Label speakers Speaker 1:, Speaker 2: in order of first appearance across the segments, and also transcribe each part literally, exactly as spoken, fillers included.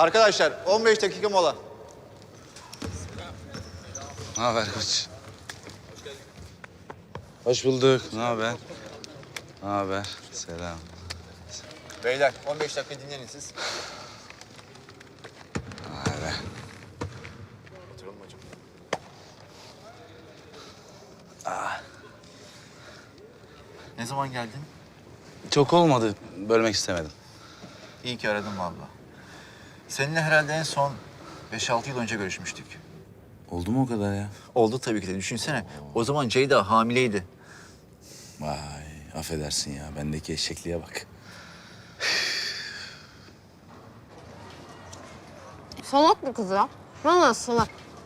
Speaker 1: Arkadaşlar on beş dakika mola.
Speaker 2: Ne haber koç? Hoş bulduk. Ne haber? Ne haber? Selam.
Speaker 1: Beyler on beş dakika dinlenin siz.
Speaker 2: Hadi.
Speaker 1: Oturalım hocam. Ne zaman geldin?
Speaker 2: Çok olmadı. Bölmek istemedim.
Speaker 1: İyi ki aradın vallahi. Seninle herhalde en son beş altı yıl önce görüşmüştük.
Speaker 2: Oldu mu o kadar ya?
Speaker 1: Oldu tabii ki de. Düşünsene. O zaman Ceyda hamileydi.
Speaker 2: Vay, affedersin ya. Bendeki eşekliğe bak.
Speaker 3: Salak bir kız ya. Vallahi salak.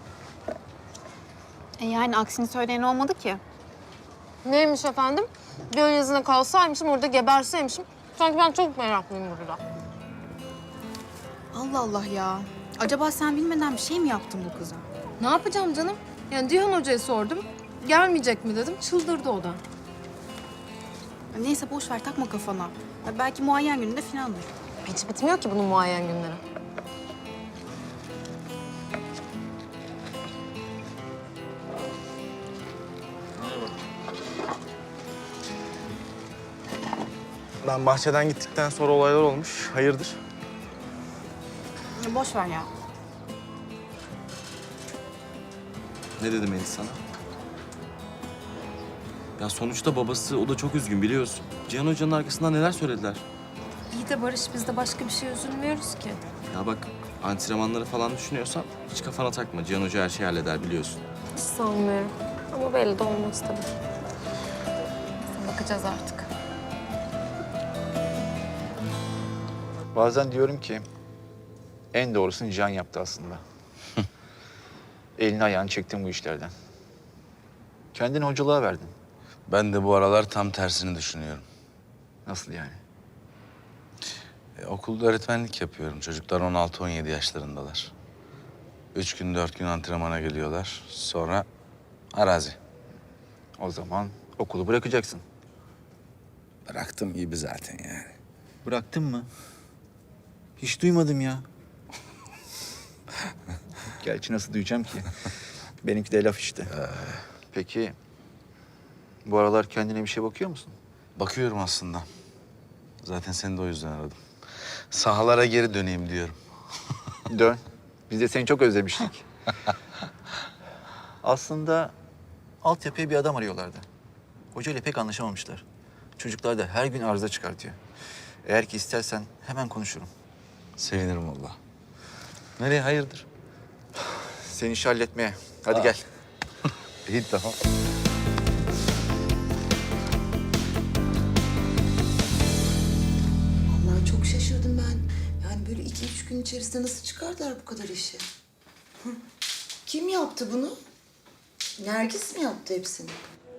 Speaker 3: E yani aksini söyleyen olmadı ki. Neymiş efendim? Göl yazına kalsaymışım, orada geberseymişim. Sanki ben çok meraklıyım burada.
Speaker 4: Allah Allah ya. Acaba sen bilmeden bir şey mi yaptın bu kıza?
Speaker 3: Ne yapacağım canım? Yani Cihan Hoca'ya sordum. Gelmeyecek mi dedim. Çıldırdı o da.
Speaker 4: Ya neyse boş ver takma kafana. Ya belki muayyen gününde filandır.
Speaker 3: Hiç bitmiyor ki bunun muayyen günleri.
Speaker 5: Ben bahçeden gittikten sonra olaylar olmuş. Hayırdır?
Speaker 4: Ya boş ver ya.
Speaker 6: Ne dedi Melis sana? Ya sonuçta babası, o da çok üzgün biliyorsun. Cihan Hoca'nın arkasından neler söylediler?
Speaker 3: İyi de Barış, biz de başka bir şey üzülmüyoruz ki.
Speaker 6: Ya bak, antrenmanları falan düşünüyorsan hiç kafana takma. Cihan Hoca her şeyi halleder biliyorsun.
Speaker 3: Hiç sanmıyorum. Ama belli de olmaz tabii. Bakacağız artık.
Speaker 1: Bazen diyorum ki en doğrusunu Cihan yaptı aslında. Elini ayağını çektin bu işlerden. Kendini hocalığa verdin.
Speaker 2: Ben de bu aralar tam tersini düşünüyorum.
Speaker 1: Nasıl yani?
Speaker 2: E, okulda öğretmenlik yapıyorum. Çocuklar on altı on yedi yaşlarındalar. Üç gün, dört gün antrenmana geliyorlar. Sonra arazi.
Speaker 1: O zaman okulu bırakacaksın.
Speaker 2: Bıraktım gibi zaten yani.
Speaker 1: Bıraktın mı? Hiç duymadım ya. Gerçi nasıl duyacağım ki? Benimki de laf işte. Peki bu aralar kendine bir şey bakıyor musun?
Speaker 2: Bakıyorum aslında. Zaten seni de o yüzden aradım. Sahalara geri döneyim diyorum.
Speaker 1: Dön. Biz de seni çok özlemiştik. Aslında altyapıya bir adam arıyorlardı. Hoca ile pek anlaşamamışlar. Çocuklar da her gün arıza çıkartıyor. Eğer ki istersen hemen konuşurum.
Speaker 2: Sevinirim valla. Nereye hayırdır?
Speaker 1: Seni işi halletmeye. Hadi gel.
Speaker 2: İyi tamam.
Speaker 7: Vallahi çok şaşırdım ben. Yani böyle iki üç gün içerisinde nasıl çıkardılar bu kadar işi? Hı. Kim yaptı bunu? Nergis mi yaptı hepsini?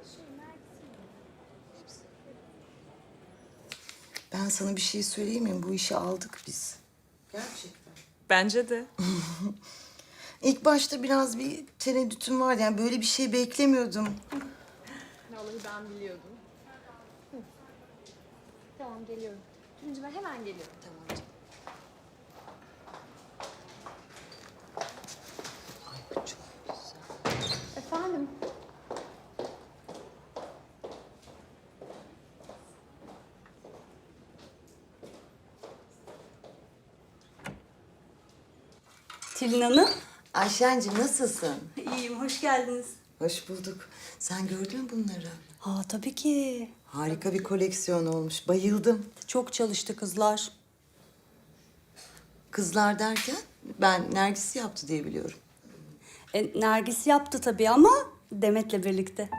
Speaker 7: Ben sana bir şey söyleyeyim mi? Bu işi aldık biz. Gerçekten.
Speaker 8: Bence de.
Speaker 7: İlk başta biraz bir tereddütüm vardı. Yani böyle bir şey beklemiyordum.
Speaker 3: Vallahi ben biliyordum. Hı. Tamam, geliyorum. Tuncum, ben hemen geliyorum.
Speaker 7: Tamam canım. Ay bu çok güzel.
Speaker 3: Efendim?
Speaker 8: Tülin Hanım.
Speaker 7: Ayşen'cim nasılsın?
Speaker 8: İyiyim, hoş geldiniz.
Speaker 7: Hoş bulduk. Sen gördün mü bunları?
Speaker 8: Ha tabii ki.
Speaker 7: Harika bir koleksiyon olmuş. Bayıldım.
Speaker 8: Çok çalıştı kızlar.
Speaker 7: Kızlar derken ben Nergis yaptı diye biliyorum.
Speaker 8: E, Nergis yaptı tabii ama Demet'le birlikte.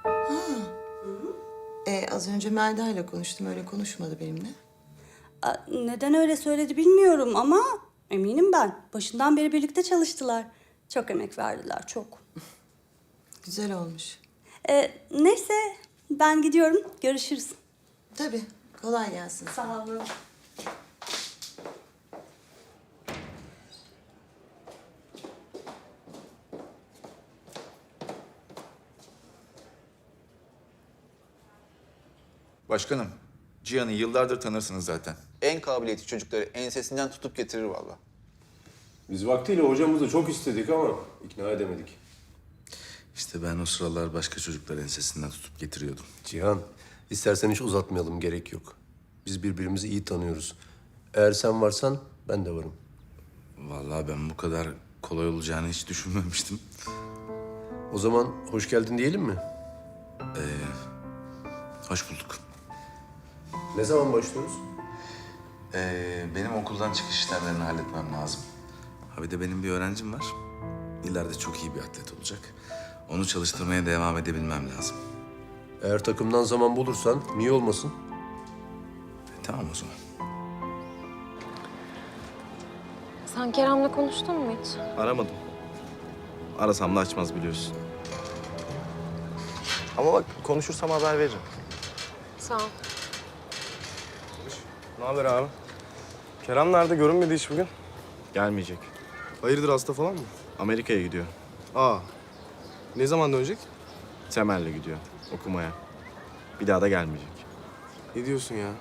Speaker 7: Ee, az önce Melda ile konuştum. Öyle konuşmadı benimle.
Speaker 8: A, neden öyle söyledi bilmiyorum ama eminim ben. Başından beri birlikte çalıştılar. Çok emek verdiler, çok.
Speaker 7: Güzel olmuş.
Speaker 8: E, neyse, ben gidiyorum. Görüşürüz.
Speaker 7: Tabii. Kolay gelsin.
Speaker 8: Sağ olun.
Speaker 1: Başkanım, Cihan'ı yıllardır tanırsınız zaten. En kabiliyetli çocukları ensesinden tutup getirir vallahi.
Speaker 9: Biz vaktiyle hocamızı çok istedik ama ikna edemedik.
Speaker 2: İşte ben o sıralar başka çocuklar ensesinden tutup getiriyordum.
Speaker 9: Cihan, istersen hiç uzatmayalım, gerek yok. Biz birbirimizi iyi tanıyoruz. Eğer sen varsan ben de varım.
Speaker 2: Vallahi ben bu kadar kolay olacağını hiç düşünmemiştim.
Speaker 9: O zaman hoş geldin diyelim mi?
Speaker 2: Hoş bulduk.
Speaker 9: Ne zaman başlıyoruz?
Speaker 2: Ee, benim okuldan çıkış işlemlerini halletmem lazım. Ha bir de benim bir öğrencim var. İleride çok iyi bir atlet olacak. Onu çalıştırmaya devam edebilmem lazım.
Speaker 9: Eğer takımdan zaman bulursan niye olmasın?
Speaker 2: E, tamam o zaman.
Speaker 3: Sen Kerem'le konuştun mu hiç?
Speaker 6: Aramadım. Arasam da açmaz biliyorsun. Ama bak konuşursam haber veririm.
Speaker 3: Sağ ol.
Speaker 5: Ne haber abi? Kerem nerede? Görünmedi hiç bugün.
Speaker 6: Gelmeyecek.
Speaker 5: Hayırdır, hasta falan mı?
Speaker 6: Amerika'ya gidiyor.
Speaker 5: Aa. Ne zaman dönecek?
Speaker 6: Temel'le gidiyor okumaya. Bir daha da gelmeyecek.
Speaker 5: Ne diyorsun ya?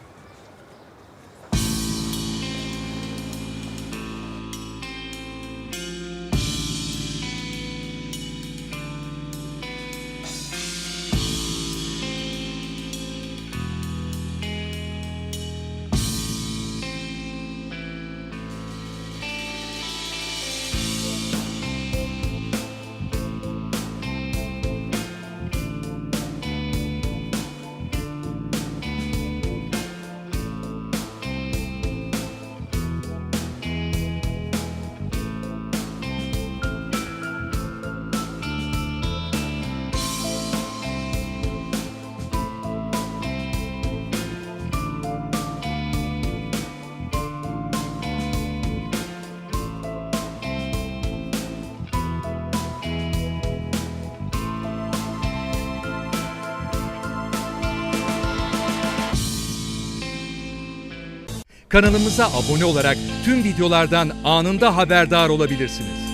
Speaker 10: Kanalımıza abone olarak tüm videolardan anında haberdar olabilirsiniz.